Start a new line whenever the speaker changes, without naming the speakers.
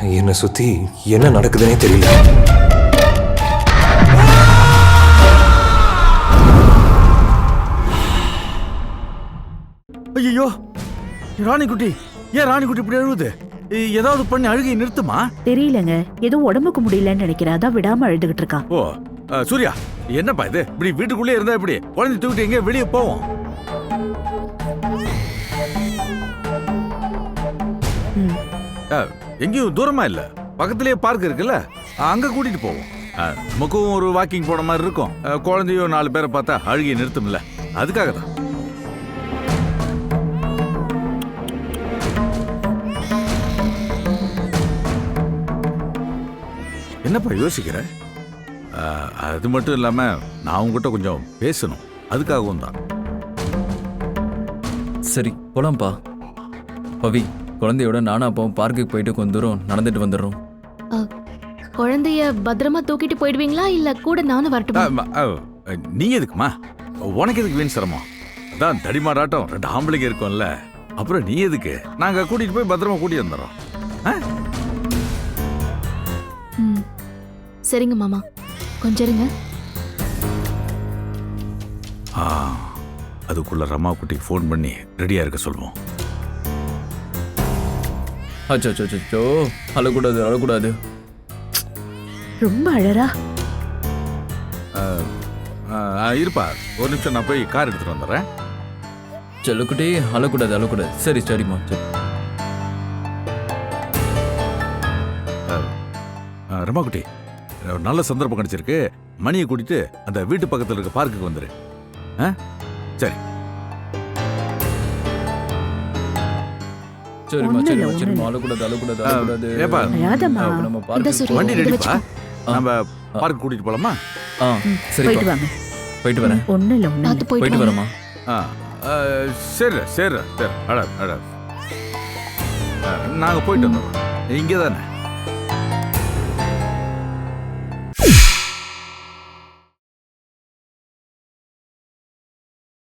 என்னை சுத்தி என்ன நடக்குதுன்னே தெரியல.
ஐயோ ராணிக்குட்டி, ஏன் ராணிக்குட்டி இப்படி அழுகுது? ஏதாவது பண்ணி அழுகை நிறுத்துமா?
தெரியலங்க, ஏதோ உடம்புக்கு முடியலன்னு நினைக்கிறேன், அதான் விடாம அழுதுகிட்டு இருக்கா.
ஓ சூர்யா, என்னப்பா இது? இப்படி வீட்டுக்குள்ளே இருந்தா இப்படி குழந்தை தூக்கிட்டு எங்க வெளியே போவோம்? எங்கேயும் தூரமா இல்ல, பக்கத்திலேயே பார்க் இருக்குல்ல, அங்க கூட்டிட்டு போவோம். நமக்கும் ஒரு வாக்கிங் போன மாதிரி இருக்கும். குழந்தையோ 4 பேரை பார்த்தா அழுகையை நிறுத்தும்ல, அதுக்காக தான். என்னப்பா யோசிக்கிற? அது மட்டும் இல்லாம நான் உங்ககிட்ட கொஞ்சம் பேசணும், அதுக்காகவும் தான்.
சரி போலாம்ப்பா. பவி, குழந்தையோட நானும் அப்பாவும் பார்க்குக்கு போயிட்டு கொஞ்ச தூரம் நடந்துட்டு வந்துடுறோம்.
குழந்தைய பத்திரமா தூக்கிட்டு போயிடுவீங்களா இல்ல கூட நானும் வரட்டுமா?
நீ எதுக்குமா? உனக்கு எதுக்கு வீண் சிரமம்? அதான் தடிமாடாட்டம் 2 ஆம்பளைங்க இருக்கோம்ல, அப்புறம் நீ எதுக்கு? நாங்க கூட்டிட்டு போய் பத்திரமா கூட்டிட்டு வந்துடுறோம்.
சரிங்க மாமா, கொஞ்சம் இருங்க.
அதுக்குள்ள ரமா குட்டிக்கு ஃபோன் பண்ணி ரெடியா இருக்க சொல்லுவோம்.
அச்சோ, அழக்கூடாது அழக்கூடாது.
ரொம்ப அழறா.
இருப்பா, ஒரு நிமிஷம், நான் போய் கார் எடுத்துட்டு வந்துடுறேன்.
செல்லுக்குட்டி, அழக்கூடாது அழக்கூடாது. சரி சரிம்மா, சரி.
ரமா குட்டி, நல்ல சந்தர்ப்பம் கிடைச்சிருக்கு. மணியை கூட்டிட்டு அந்த வீட்டு பக்கத்தில் இருக்க பார்க்குக்கு வந்துரு. சரி
சரிம்மா சரிம்மா, அழக்கூடாது அழக்கூடாது அழக்கூடாது. நம்ம பார்க்க
வண்டி ரெடிப்பா, நம்ம பார்க் கூட்டிட்டு போலாமா?
சரி,
போயிட்டு வாங்க.
போயிட்டு வரேன்.
ஒண்ணு இல்ல, ஒண்ணு
பார்த்து
போயிட்டு வரமா.
சரி சரி சரி, அட அட, நாங்க போயிட்டு வந்துடுறோம். இங்கே தானே.